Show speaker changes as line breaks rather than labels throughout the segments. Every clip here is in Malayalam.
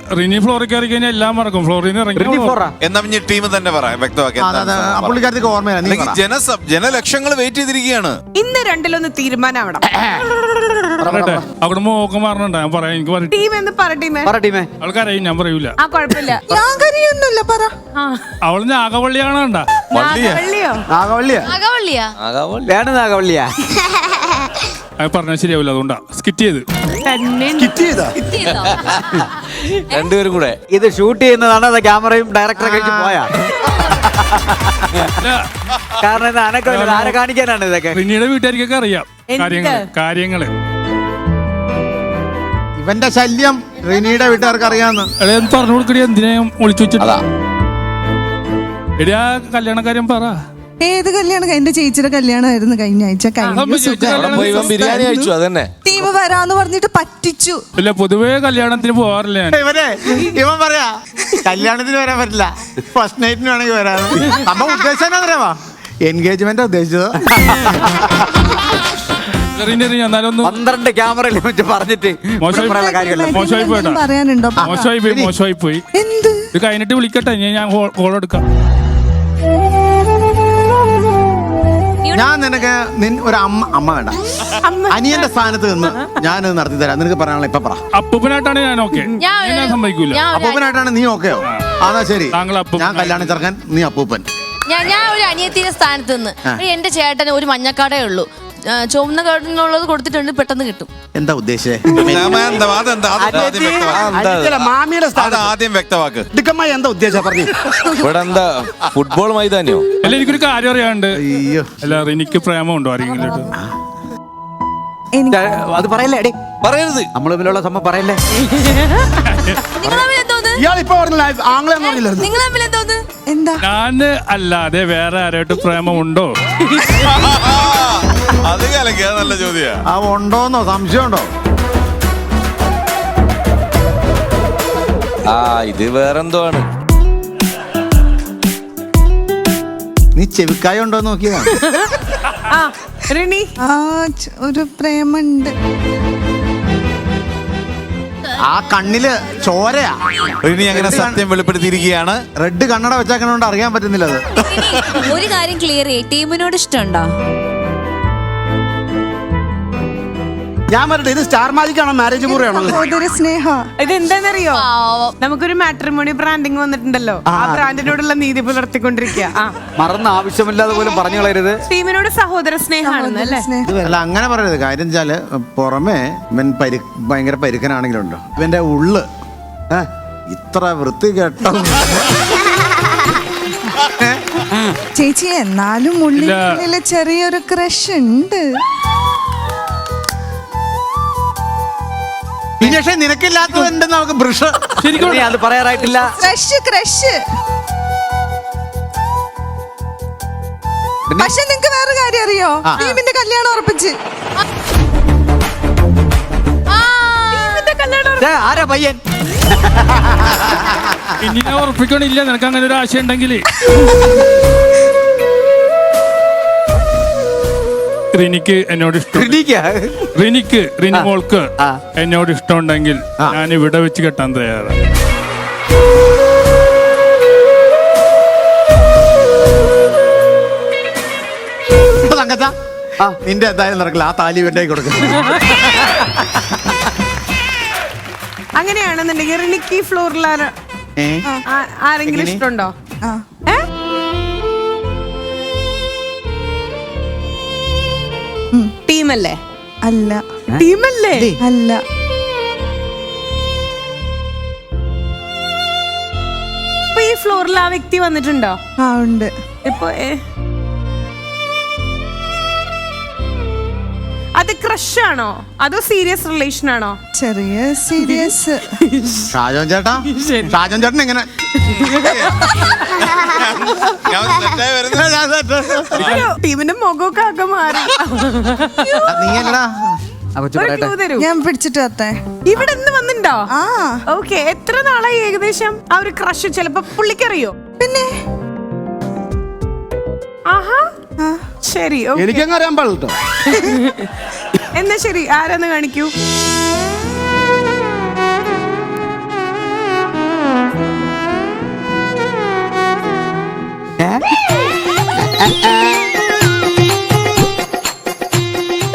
റിനി ഫ്ലോറിൽ കയറി കഴിഞ്ഞാൽ എല്ലാം മറക്കും. ഫ്ലോറിൽ നിന്ന് ഇറങ്ങി
എന്നാ ടീം തന്നെ പറയാം, വ്യക്തമാക്കി. ജനലക്ഷങ്ങൾ വെയിറ്റ് ചെയ്തിരിക്കുകയാണ്.
ഇന്ന് രണ്ടിലൊന്ന് തീരുമാനമാവണം.
അവിടെ മോക്കം പറഞ്ഞിട്ടുണ്ടാ ഞാൻ പറയാം. എനിക്ക് അവൾക്കറിയും, ഞാൻ പറയൂല. അവള് നാഗവള്ളിയാണ്. പറഞ്ഞാൽ ശരിയാവില്ല, അതുകൊണ്ടാ സ്കിറ്റ് ചെയ്ത്.
രണ്ടുപേരും കൂടെ
ഇത് ഷൂട്ട് ചെയ്യുന്നതാണ്. അത് ക്യാമറയും ഡയറക്ടറെ കഴിച്ച് പോയാ. കാരണം ഇത് ആരെ കാണിക്കാനാണ് ഇതൊക്കെ.
റിനിയുടെ വീട്ടുകാർക്കൊക്കെ അറിയാം കാര്യങ്ങള്.
ഇവന്റെ ശല്യം റിനിയുടെ വീട്ടുകാർക്ക് അറിയാന്ന്
പറഞ്ഞു കൊടുക്കടി. എന്തിനാ ഒളിച്ചു വെച്ചിട്ടാ? എടി ആ കല്യാണക്കാര്യം പറ.
ഏത് കല്യാണം? എന്റെ ചേച്ചിയുടെ കല്യാണമായിരുന്നു കഴിഞ്ഞ ആഴ്ച.
ബിരിയാണി കഴിച്ചു. അതന്നെ
ടീം വരാന്ന് പറഞ്ഞിട്ട് പറ്റിച്ചു.
ഇല്ല, പൊതുവേ കല്യാണത്തിന് പോവാറില്ല ഞാൻ.
ഇവൻ പറയാ കല്യാണത്തിന് വരാൻ പറ്റില്ല, ഫസ്റ്റ് നൈറ്റിന് വേണമെങ്കിൽ വരാന്ന്. അപ്പൊ ഉദ്ദേശം അറിയാവാ, എൻഗേജ്മെന്റ് ഉദ്ദേശിച്ചത്.
12 ക്യാമറയിൽ പറഞ്ഞിട്ട്
മോശമായി പോയി. ഇത് കഴിഞ്ഞിട്ട് വിളിക്കട്ടെ, ഞാൻ കോൾ എടുക്കാം.
ഞാൻ നിനക്ക് ഒരു അമ്മ വേണ്ട, അനിയന്റെ സ്ഥാനത്ത് നിന്ന് ഞാനത് നടത്തി തരാം. നിനക്ക് പറയാനുള്ള ഇപ്പൊ പറ.
അപ്പൂപ്പനായിട്ടാണ് ഞാൻ ഓക്കെ, ഞാൻ സമ്മതിക്കൂല.
അപ്പൂപ്പനായിട്ടാണ് നീ ഓക്കെയോ? അതാ ശരി, ഞാൻ കല്യാണം ചെറുക്കൻ, നീ അപ്പൂപ്പൻ.
ഞാൻ ഒരു അനിയത്തിന്റെ സ്ഥാനത്ത് നിന്ന്. എന്റെ ചേട്ടന് ഒരു മഞ്ഞക്കാടേ ഉള്ളൂ, ചുവന്ന കാർഡിനുള്ളത് കൊടുത്തിട്ടുണ്ട്, പെട്ടെന്ന് കിട്ടും.
എന്താ ഉദ്ദേശിച്ചേ?
ആദ്യം വ്യക്തമാക്ക്.
എന്താ ഉദ്ദേശം പറഞ്ഞു?
ഇവിടെ എന്താ ഫുട്ബോൾ മൈതാനിയോ?
അല്ല, എനിക്കൊരു കാര്യം അറിയാണ്ട്. അല്ല, എനിക്ക് പ്രേമമുണ്ടോ ആരെങ്കിലും?
അത് പറയല്ലേ എടേ,
പറയരുത്.
നമ്മൾ തമ്മിലുള്ള സംഭവം പറയല്ലേ.
ഞാന് അല്ലാതെ വേറെ ആരായിട്ട് പ്രേമമുണ്ടോ?
അത് നല്ല ചോദ്യ.
ഉണ്ടോന്നോ സംശയമുണ്ടോ?
ഇത് വേറെന്തോ ആണ്.
നീ ചെവിക്കായ ഉണ്ടോ നോക്കിയതാണ്.
ഒരു പ്രേമുണ്ട്.
ആ കണ്ണില് ചോരയാ.
റിനി അങ്ങനെ സത്യം വെളിപ്പെടുത്തിയിരിക്കുകയാണ്.
റെഡ് കണ്ണട വെച്ചാക്കണോണ്ട് അറിയാൻ പറ്റുന്നില്ല. അത്
ഒരു കാര്യം ക്ലിയർ ചെയ്യ്, ടീമിനോട് ഇഷ്ടമുണ്ടോ?
ഞാൻ പറഞ്ഞത് ഇത് സ്റ്റാർ മാജിക് ആണോ മാരേജ് മുറിയാണോ?
സ്നേഹ
ഇത് എന്താന്നറിയോ, നമുക്കൊരു മാട്രിമോണി ബ്രാൻഡിങ് വന്നിട്ടുണ്ടല്ലോ, ആ ബ്രാൻഡിനോടുള്ള നീതി പുലർത്തിക്കൊണ്ടിരിക്കുക.
മറന്ന് ആവശ്യമില്ലാതെ പോലും പറഞ്ഞു കളയരുത്.
ടീമിനോട് സഹോദര സ്നേഹമാണെന്നല്ലേ?
അല്ല, അങ്ങനെ പറയരുത്. കാര്യം വെച്ചാല് പുറമെ ഇവൻ ഭയങ്കര പരുക്കനാണെങ്കിലുണ്ടോ, ഇവന്റെ ഉള്ള് ഇത്ര വൃത്തി കേട്ടോ.
ചേച്ചി, എന്നാലും ഉള്ളിലെ ചെറിയൊരു ക്രഷ് ഉണ്ട്.
പക്ഷേ നിനക്കില്ലാത്തതുണ്ട് നമുക്ക് ബ്രഷ്.
അത് പറയാറായിട്ടില്ല.
ക്രഷ്. പക്ഷെ നിങ്ങക്ക് വേറെ കാര്യം അറിയോ? ടീമിന്റെ കല്യാണം ഉറപ്പിച്ച്.
ആരാ പയ്യൻ?
ഇനി ഞാൻ ഉറപ്പിക്കണില്ല. നിനക്ക് അങ്ങനെ ഒരു ആശയം ഉണ്ടെങ്കിൽ റിനിക്ക് എന്നോട് ഇഷ്ടം, റിനി മോൾക്ക് എന്നോട് ഇഷ്ടമുണ്ടെങ്കിൽ ഞാൻ ഇവിടെ വെച്ച് കെട്ടാൻ തയ്യാറാണ്.
നിന്റെ എന്തായാലും നടക്കില്ല. ആ താലി വേണ്ടേ കൊടുക്കും.
അങ്ങനെയാണെന്നുണ്ടെങ്കിൽ റിനിക്ക് ഫ്ലോറിൽ ആരെങ്കിലും ഇഷ്ടമുണ്ടോ? ടീമല്ലേ?
അല്ല.
ടീമല്ലേ?
അല്ല.
ഇപ്പൊ ഈ ഫ്ലോറിൽ ആ വ്യക്തി വന്നിട്ടുണ്ടോ?
ഉണ്ട്.
ഇപ്പൊ അത് ക്രഷ് ആണോ അതോ സീരിയസ് റിലേഷൻ ആണോ?
ചെറിയ സീരിയസ്.
ഷാജോൻ ചേട്ടൻ എങ്ങനെ
ടീമിന്റെ മുഖമൊക്കെ ആകെ മാറി.
ഞാൻ പിടിച്ചിട്ട് വരട്ടെ.
ഇവിടെ നിന്ന് വന്നിട്ടുണ്ടോ? ഓക്കെ. എത്ര നാളായി ഏകദേശം ആ ഒരു ക്രഷ്? ചിലപ്പോ പുള്ളിക്കറിയോ?
പിന്നെ
ആഹാ, ശരി.
എനിക്കങ്ങ് അറിയാൻ പാടില്ല.
എന്നാ ശരി, ആരാന്ന് കാണിക്കൂ.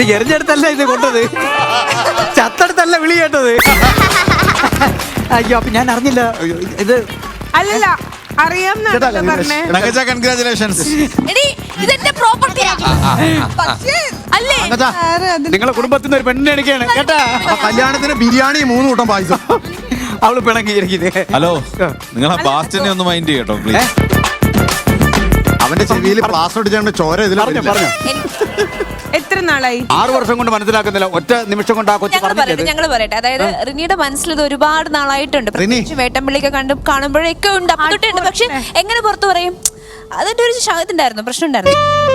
ഇത് എറിഞ്ഞെടുത്തല്ല ഇത് കൊണ്ടത്, ചത്തടുത്തല്ല വിളി കേട്ടത്. അയ്യോ അപ്പൊ ഞാൻ അറിഞ്ഞില്ല ഇത്.
അല്ലല്ല അറിയാം പറഞ്ഞേ.
കൺഗ്രാചുലേഷൻസ്.
എടി ഇതെന്റെ പ്രോപ്പർട്ടിയാ. അല്ലേ
നിങ്ങളെ കുടുംബത്തിൽ നിന്ന് ഒരു പെണ്ണിനെ എടുക്കുകയാണ് കേട്ടാ.
കല്യാണത്തിന് ബിരിയാണി 3 കൂട്ടം പായസം.
അവള് പിണങ്ങിയിരിക്കുന്നത്.
ഹലോ, നിങ്ങൾ ആ ബാസ്റ്റിനെ ഒന്ന് മൈൻഡ് ചെയ്യട്ടോ പ്ലീസ്.
അവന്റെ ചെവിയിൽ പ്ലാസ്റ്റർ അടിച്ചാണ്ട് ചോര ഇതിൽ
പറഞ്ഞു
എത്ര നാളായി?
6 വർഷം കൊണ്ട് മനസ്സിലാക്കുന്നില്ല, ഒറ്റ നിമിഷം കൊണ്ട് ആ കൊച്ചു പറഞ്ഞത്.
ഞങ്ങൾ പറയട്ടെ, അതായത് റിനിയുടെ മനസ്സിൽ ഇത് ഒരുപാട് നാളായിട്ടുണ്ട്. പ്രത്യേകിച്ച് വേട്ടമ്പിള്ളിയൊക്കെ കാണുമ്പോഴൊക്കെ ഉണ്ട്, അപ്പത്തൊട്ടുണ്ട്. പക്ഷെ എങ്ങനെ പുറത്തു പറയും? അതിന്റെ ഒരു ഇതുണ്ടായിരുന്നു, പ്രശ്നം ഉണ്ടായിരുന്നു.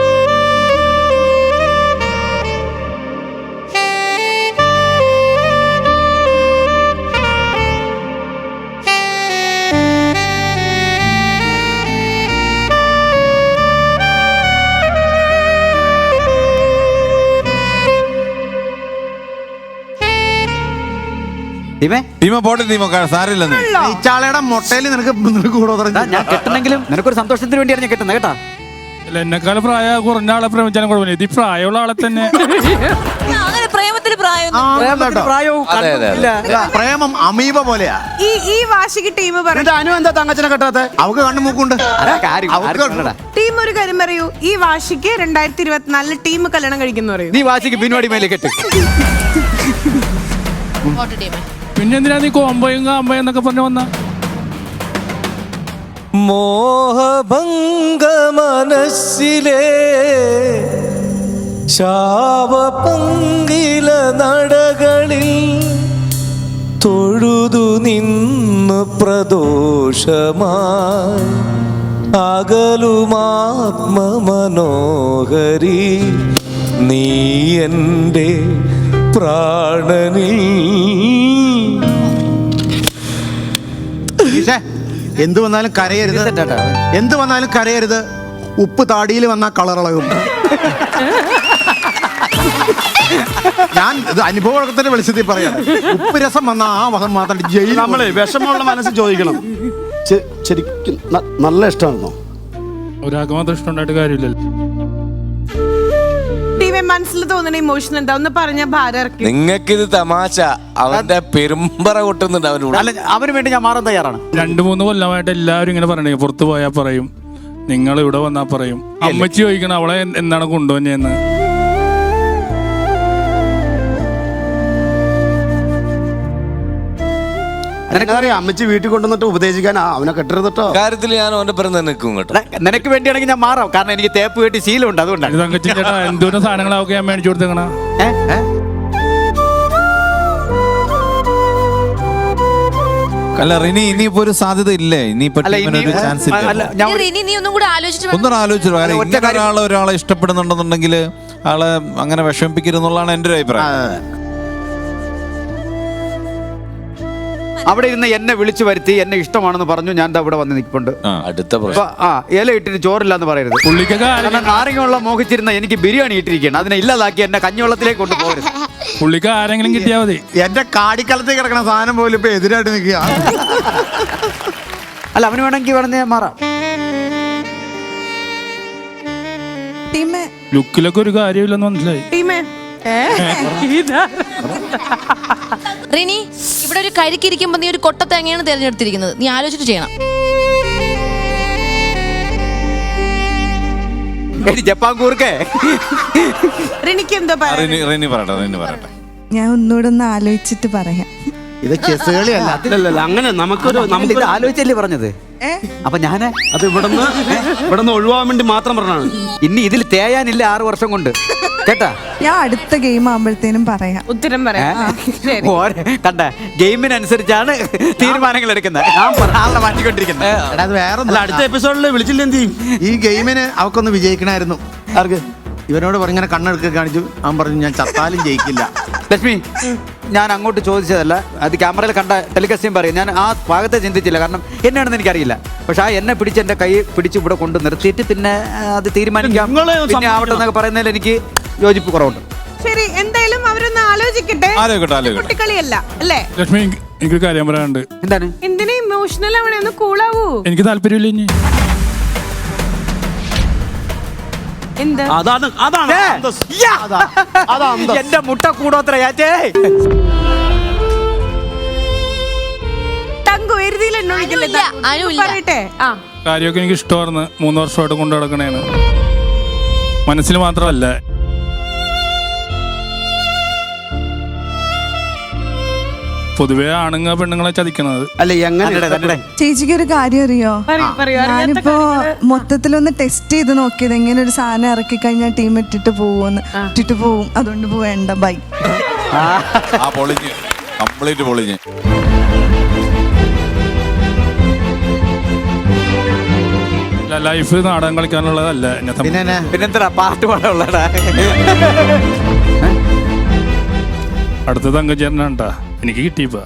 ടീമ പോട്ടെ, ടീമ സാരില്ല.
ഈ ചാളയുടെ മുട്ടയിൽ നിനക്ക് കൂടെ
ഞാൻ കെട്ടണമെങ്കിലും നിനക്കൊരു സന്തോഷത്തിന് വേണ്ടിയാണ് ഞാൻ കെട്ടുന്നത് കേട്ടാ.
അല്ല, എന്നെക്കാളും പ്രായം കുറഞ്ഞ ആളെ പ്രേമിച്ചാലും കുഴപ്പമില്ല. ഇത് ഈ പ്രായമുള്ള ആളെ തന്നെ.
അങ്ങനെ പ്രേമത്തിന് പ്രായം
പ്രായവും
അതെ, അതെ, അതെ.
പ്രേമം അമീബ പോലെയാ.
ഈ വാശിക്ക് ടീം പറഞ്ഞു.
അനു എന്താ തങ്കച്ചനെ കെട്ടാത്ത?
അവക്ക് കണ്ണു മൂക്കുണ്ട്.
ടീം ഒരു കാര്യം പറയൂ, ഈ വാശിക്ക് 2024 ടീം കല്യാണം കഴിക്കുന്നു പറയൂ.
നീ വാശിക്ക് പിൻവാടി മേലെ കെട്ട്.
പിന്നെ എന്തിനാ നീ കോമ്പയും കാമ്പയും എന്നൊക്കെ പറഞ്ഞു വന്ന?
മോഹഭംഗ മനസ്സിലെ ശാപപങ്കില നടകളിൽ തൊഴുതു നിന്ന് പ്രദോഷമായി അകലുമാത്മമനോഹരി നീ എൻ്റെ പ്രാണനിൽ.
എന്ത് വന്നാലും കരയരുത്, എന്ത് വന്നാലും കരയരുത്. ഉപ്പ് താടിയിൽ വന്നാ കളറിളകും. ഞാൻ ഇത് അനുഭവത്തിന്റെ വെളിച്ചത്തിൽ പറയാം. ഉപ്പ് രസം വന്ന ആ വസം മാത്രം ജയിൽ.
നമ്മളെ വിഷമമുള്ള മനസ്സ് ചോദിക്കണം. ശരിക്കും നല്ല ഇഷ്ടമായിരുന്നോ?
ഒരാൾക്ക് മാത്രം ഇഷ്ടമുണ്ടായിട്ട് കാര്യമില്ലല്ലോ.
ടീമെ മനസ്സിൽ തോന്നുന്ന ഇമോഷൻ എന്താ ഒന്ന് പറഞ്ഞ ഭാരം ഇറക്കി.
നിങ്ങൾക്കിത് തമാശ, അവന്റെ പെരുമ്പറ കൊട്ടുന്നുണ്ട് അവനോട്.
അല്ല, അവന് വേണ്ടി ഞാൻ മാറാൻ തയ്യാറാണ്.
2-3 കൊല്ലമായിട്ട് എല്ലാവരും ഇങ്ങനെ പറയണേ, പുറത്ത് പോയാൽ പറയും, നിങ്ങൾ ഇവിടെ വന്നാൽ പറയും. അമ്മച്ചി ചോദിക്കണം അവളെ എന്താണ് കൊണ്ടുവന്നേന്ന്.
എനിക്കറിയാം, അമ്മച്ചി വീട്ടിൽ കൊണ്ടുവന്നിട്ട് ഉപദേശിക്കാൻ അവനെ കെട്ടരുതട്ടോ.
കാര്യത്തിൽ ഞാൻ അവന്റെ പിറന്ന് നിൽക്കും കേട്ടോ.
നിനക്ക് വേണ്ടിയാണെങ്കിൽ ഞാൻ മാറാം, കാരണം എനിക്ക് തേപ്പ് കെട്ടി ശീലമുണ്ട്, അതുകൊണ്ടാണ്.
തങ്കച്ചി ചേട്ടാ, എന്തോരം സാധനങ്ങളൊക്കെ ഞാൻ മേടിച്ചു കൊടുത്തേക്കണ.
അല്ല റിനി, ഇനിയിപ്പോ ഒരു സാധ്യത ഇല്ലേ? ഇനിയിപ്പോ ഒരു ചാൻസ് ഇല്ല.
റിനി നീ ഒന്നും കൂടെ ആലോചിച്ചിട്ട്
ഒന്നും ആലോചിച്ചു. കാരണം ഒരാളെ ഇഷ്ടപ്പെടുന്നുണ്ടെന്നുണ്ടെങ്കിൽ ആളെ അങ്ങനെ വിഷമിപ്പിക്കരുതെന്നുള്ളതാണ് എൻ്റെ ഒരു അഭിപ്രായം.
അവിടെ ഇരുന്ന് എന്നെ വിളിച്ചു വരുത്തി എന്നെ ഇഷ്ടമാണെന്ന് പറഞ്ഞു. ഞാൻ ഇവിടെ വന്ന് നിൽപ്പുണ്ട്.
അടുത്ത പ്രശ്നം,
ഇല ഇട്ടിട്ട് ചോറില്ല എന്ന് പറയരുത്.
പുള്ളിക്കൊക്കെ
നാരങ്ങ മോഹിച്ചിരുന്ന എനിക്ക് ബിരിയാണി ഇട്ടിരിക്കുകയാണ്. അതിനെ ഇല്ലാതാക്കി എന്നെ കഞ്ഞിവെള്ളത്തിലേക്ക് കൊണ്ടുപോകരുത്.
പുള്ളിക്ക് ആരെങ്കിലും കിട്ടിയാൽ മതി.
എന്റെ കാടിക്കളത്തിൽ കിടക്കുന്ന സാധനം പോലും ഇപ്പൊ എതിരായിട്ട് നിൽക്കുക.
അല്ല, അവന് വേണമെങ്കിൽ വേണമെങ്കിൽ മാറാം.
ടീമേ
ലുക്കിലൊക്കെ ഒരു കാര്യമില്ലെന്ന് മനസ്സിലായി.
ടീമേ
റിനി, ഇവിടെ ഒരു കരിക്കിരിക്കുമ്പോ നീ ഒരു കൊട്ട തേങ്ങയാണ് തിരഞ്ഞെടുത്തിരിക്കുന്നത്. നീ ആലോചിച്ചിട്ട് ചെയ്യണം.
ജപ്പാൻ കൂർക്കേ.
റിനിക്ക് എന്തോ
റിനി പറയട്ടെ.
ഞാൻ ഒന്നുകൂടെ ഒന്ന് ആലോചിച്ചിട്ട് പറയാം.
ഇത് ചെസ് കളിയല്ല.
അല്ലല്ല, അങ്ങനെ നമുക്ക്
ആലോചിച്ചല്ലേ പറഞ്ഞത്. അപ്പൊ ഞാന്
അത് ഇവിടുന്ന് ഒഴിവാൻ വേണ്ടി മാത്രം പറഞ്ഞാണ്.
ഇനി ഇതിൽ തേയാനില്ല 6 വർഷം കൊണ്ട് കേട്ടാ.
ഞാൻ അടുത്ത ഗെയിം ആകുമ്പോഴത്തേനും പറയാം.
ഉത്തരം പറയാം.
കണ്ട, ഗെയിമിനനുസരിച്ചാണ് തീരുമാനങ്ങൾ എടുക്കുന്നത്. ആളെ മാറ്റിക്കൊണ്ടിരിക്കുന്നത്.
അത് വേറെ
അല്ല, അടുത്ത എപ്പിസോഡിൽ വിളിച്ചില്ല എന്ത് ചെയ്യും?
ഈ ഗെയിമിന് അവക്കൊന്ന് വിജയിക്കണമായിരുന്നു.
ആർക്ക്?
ഇവനോട് ഇങ്ങനെ കണ്ണെടുക്ക കാണിച്ചു. അവൻ പറഞ്ഞു ഞാൻ ചത്താലും ജയിക്കില്ല.
ലക്ഷ്മി, ഞാൻ അങ്ങോട്ട് ചോദിച്ചതല്ല, അത് ക്യാമറയിൽ കണ്ട ടെലികാസ്റ്റിംഗ് പറയും. ഞാൻ ആ ഭാഗത്തെ ചിന്തിച്ചില്ല, കാരണം എന്നാണെന്ന് എനിക്കറിയില്ല. പക്ഷെ ആ എന്നെ പിടിച്ച് എൻ്റെ കൈ പിടിച്ച് ഇവിടെ കൊണ്ട് നിർത്തിയിട്ട് പിന്നെ അത് തീരുമാനിക്കാം, പിന്നെ ആവട്ടെ എന്നൊക്കെ പറയുന്നതിൽ എനിക്ക് യോജിപ്പ് കുറവുണ്ട്.
ശരി, എന്തായാലും അവരൊന്ന് ആലോചിക്കട്ടെ. കുട്ടിക്കളിയല്ല അല്ലേ?
ലക്ഷ്മി, എനിക്കൊരു കാര്യം പറയാനുണ്ട്.
എന്താണ്?
എന്തിനാ ഇമോഷണൽ അവിടെ ഒന്ന് കൂളാവൂ.
എനിക്ക് താല്പര്യമില്ല ഇനി.
എന്ത്?
അതാണ് അതാണ്
ഏ,
അന്തസ്സ്.
യ്യാ.
അതാ അന്തസ്സ്.
എന്റെ മുട്ട കൂടോത്ര ചാച്ചേ.
തങ്കു എരുതിയിൽ എന്നോട്
അനുല്ല, അനുല്ല.
പറയട്ടെ. ആ
കാര്യമൊക്കെ എനിക്ക് ഇഷ്ടമായിരുന്നു. 3 വർഷമായിട്ട് കൊണ്ടു നടക്കണേന്. മനസ്സിൽ മാത്രമല്ല. പൊതുവെ ആണുങ്ങ പെണ്ണുങ്ങളെ ചതിക്കണത്.
അല്ല എങ്ങനെ
തന്നെടെ, തന്നെടെ.
ചേച്ചിക്ക് ഒരു കാര്യം അറിയോ?
പറയൂ അറിയാത്ത
ഞാനിപ്പോ മൊത്തത്തിലൊന്ന് ടെസ്റ്റ് ചെയ്ത് നോക്കിയത് എങ്ങനെ ഒരു സാധനം ഇറക്കി കഴിഞ്ഞാൽ ടീം ഇട്ടിട്ട് പോവും. അതുകൊണ്ട് പോവേണ്ട ബൈ.
ആ പൊളിഞ്ഞ് കംപ്ലീറ്റ് പൊളിഞ്ഞ്.
ലൈഫ് നാടകം കളിക്കാനുള്ളതല്ല എന്നെ സംബന്ധിച്ച്.
പിന്നെ
പിന്നെന്താ പാട്ട് പാടാനുള്ളടാ.
അടുത്ത തങ്കച്ചേരനാണ്ടാ എനിക്ക് കിട്ടിയപ്പോ.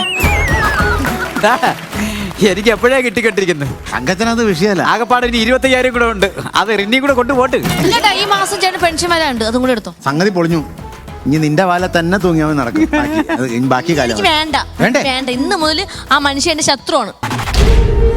എനിക്ക് എപ്പോഴേ കിട്ടിക്കൊണ്ടിരിക്കുന്നു.
അങ്കച്ചനത് വിഷയമല്ല.
ആകെപ്പാടെ ഇനി 25,000 കൂടെ ഉണ്ട്. അത് റിന്നി കൂടെ കൊണ്ടുപോട്ട്.
ഇല്ലട്ടാ, ഈ മാസം ചേട്ടൻ പെൻഷൻ വരാനുണ്ട്, അതും കൂടെ എടുത്തോ.
സംഗതി പൊളിഞ്ഞു. ഇനി നിന്റെ വാല തന്നെ തൂങ്ങിയാൽ നടക്കും. ബാക്കി കാലം
എനിക്ക് വേണ്ട
വേണ്ടേ?
വേണ്ട. ഇന്ന് മുതൽ ആ മനുഷ്യൻ എന്റെ ശത്രുവാണ്.